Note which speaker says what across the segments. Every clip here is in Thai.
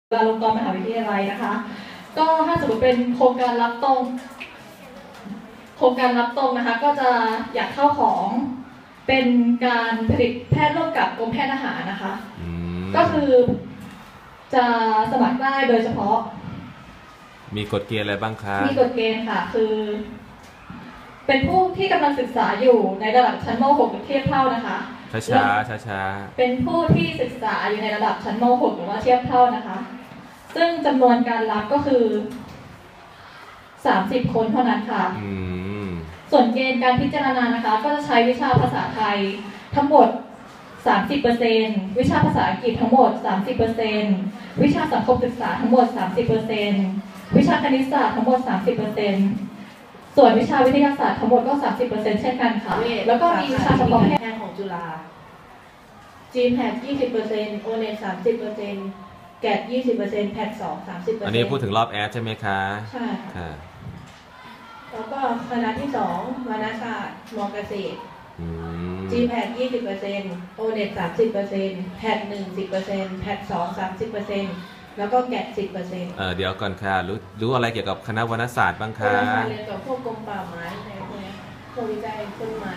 Speaker 1: จุฬาลงกรณ์มหาวิทยาลัยนะคะก็ถ้าสมมติเป็นโครงการรับตรงนะคะก็จะอยากเข้าของเป็นการผลิตแพทย์ร่วมกับกรมแพทย์ทหารนะคะก็คือจะสมัครได้โดยเฉพาะ
Speaker 2: มีกฎเกณฑ์อะไรบ้างคะ
Speaker 1: มีกฎเกณฑ์ค่ะคือเป็นผู้ที่กำลังศึกษาอยู่ในระดับชั้นม .6 หรือเทียบเท่านะคะ
Speaker 2: ช้า
Speaker 1: เป็นผู้ที่ศึกษาอยู่ในระดับชั้นม .6 หรือว่าเทียบเท่านะคะซึ่งจำนวนการรับก็คือ30 คนเท่านั้นค่ะส่วนเกณฑ์การพิจารณานะคะก็จะใช้วิชาภาษาไทยทั้งหมด 30% วิชาภาษาอังกฤษทั้งหมด 30% วิชาสังคมศึกษาทั้งหมด 30% วิชาคณิตศาสตร์ทั้งหมด 30%ส่วนวิชาวิทยาศาสตร์ทั้งหมดก็ 30% เช่นกันค่ะแล้วก็มีวิชาเฉพาะแพทย์
Speaker 3: ของจุฬา GMAT 20% ONET 30%แกด 20%แพท2 30%
Speaker 2: อันนี้พูดถึงรอบแอดใช่ไหมคะ
Speaker 3: ใช่ค่ะแล้วก็คณะที่2วารณศาสตร์ม.เกษตรGMAT 20% ONET 30%แพท1 10%แพท2 30%แล้วก็แกด 10%
Speaker 2: เดี๋ยวก่อนค่ะรู้อะไรเกี่ยวกับคณะวรรณศาสตร์บ้างคะ
Speaker 3: เรียนกับพวกกรมป่าไม้อะไรพวกนี้พวกวิจัยต้นไม้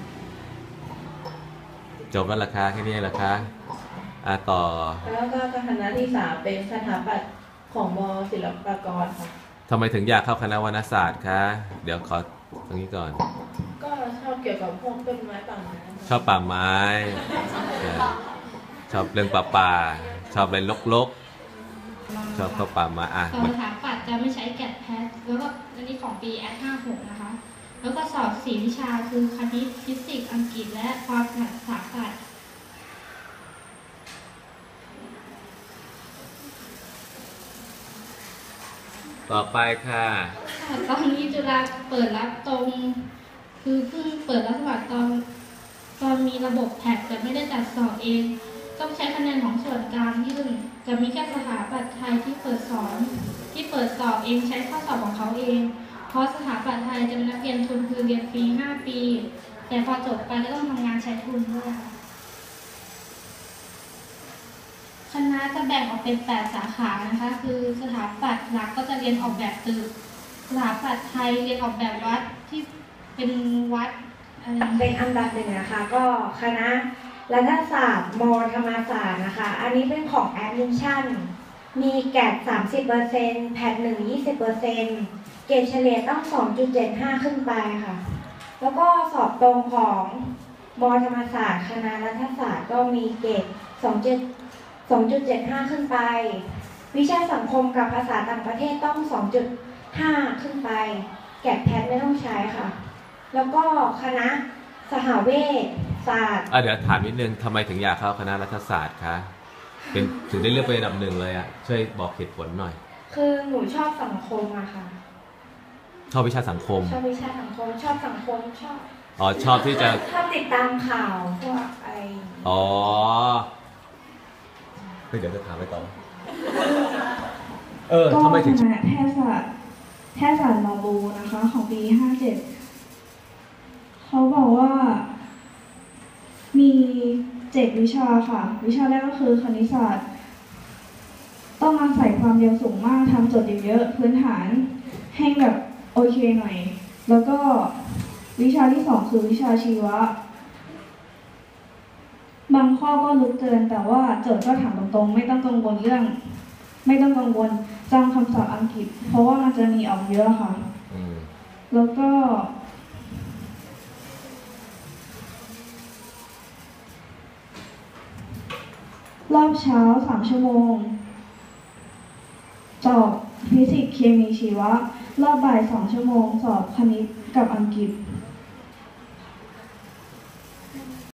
Speaker 2: จบแล้วราคาแค่นี้ราคาต่อ
Speaker 3: แล้วก็คณะที่3เป็นสถาปัตย์ของม.ศิลปากรค่ะ
Speaker 2: ทำไมถึงอยากเข้าคณะวรรณศาสตร์คะเดี๋ยวขอตรงนี้ก่อน
Speaker 3: ก็ชอบเกี่ยวกับพวกต้นไม้ป่าไม้
Speaker 2: ชอบป่าไม้ชอบเรื่องป่าชอบอะไรรกชอบเข้าป่ามา
Speaker 4: สถาปัตย์จะไม่ใช้แกดแพทแล้วก็อันนี้ของปีแอด56นะคะแล้วก็สอบ4 วิชาคือคณิตฟิสิกส์อังกฤษและความถนัดสาขา
Speaker 2: ต่อไปค่ะ
Speaker 4: ตอนนี้จุฬาเปิดรับตรงคือเพิ่งเปิดรับสมัครตอนมีระบบแท็กแต่ไม่ได้จัดสอบเองต้องใช้คะแนนของส่วนกลางยื่นจะมีแค่สถาปัตย์ไทยที่เปิดสอบเองใช้ข้อสอบของเขาเองเพราะสถาปัตย์ไทยจะเป็นนักเรียนทุนคือเรียนฟรี5 ปีแต่พอจบไปก็ต้องทำงานใช้ทุนด้วยค่ะคณะจะแบ่งออกเป็น8 สาขานะคะคือสถาปัตย์หลักก็จะเรียนออกแบบตึกสถาปัตย์ไทยเรียนออกแบบวัดที่เป็นวัด
Speaker 3: เป็นอันดับหนึ่งนะคะก็คณะรัฐศาสตร์ม.ธรรมศาสตร์นะคะอันนี้เป็นของแอดมิชชั่นมีแกด 30% แพท1 20%เกรดเฉลี่ยต้อง 2.75 ขึ้นไปค่ะแล้วก็สอบตรงของม.ธรรมศาสตร์คณะรัฐศาสตร์ก็มีเกรด 2.75 ขึ้นไปวิชาสังคมกับภาษาต่างประเทศต้อง 2.5 ขึ้นไปแกดแพทไม่ต้องใช้ค่ะแล้วก็คณะสหเวชศาสตร์
Speaker 2: เดี๋ยวถามนิดนึงทำไมถึงอยากเข้าคณะรัฐศาสตร์คะเป็นถึงได้เลือกเป็นอันดับ1เลยช่วยบอกเหตุผลหน่อย
Speaker 3: คือหนูชอบสังคมอะค่ะ
Speaker 2: ชอบวิชาสังคม
Speaker 3: ชอบวิชาสังคมชอบสังคม
Speaker 2: ชอบที่จะ
Speaker 3: ชอบติดตามข่าวพวกอะไร
Speaker 2: เดี๋ยวจะถามไปต่อทำไมถึง
Speaker 5: แพทยศาสตร์มอบูนะคะของปี57เขาบอกว่ามี7 วิชาค่ะวิชาแรกก็คือคณิตศาสตร์ต้องอาศัยความเร็วสูงมากทำโจทย์เยอะพื้นฐานให้แบบโอเคหน่อยแล้วก็วิชาที่2คือวิชาชีวะบางข้อก็ลึกเกินแต่ว่าโจทย์ก็ถามตรงๆไม่ต้องกังวลจำคำศัพท์อังกฤษเพราะว่ามันจะมีออกเยอะค่ะแล้วก็รอบเช้า3 ชั่วโมงสอบฟิสิกส์เคมีชีวะรอบบ่าย2 ชั่วโมงสอบคณิตกับอังกฤษ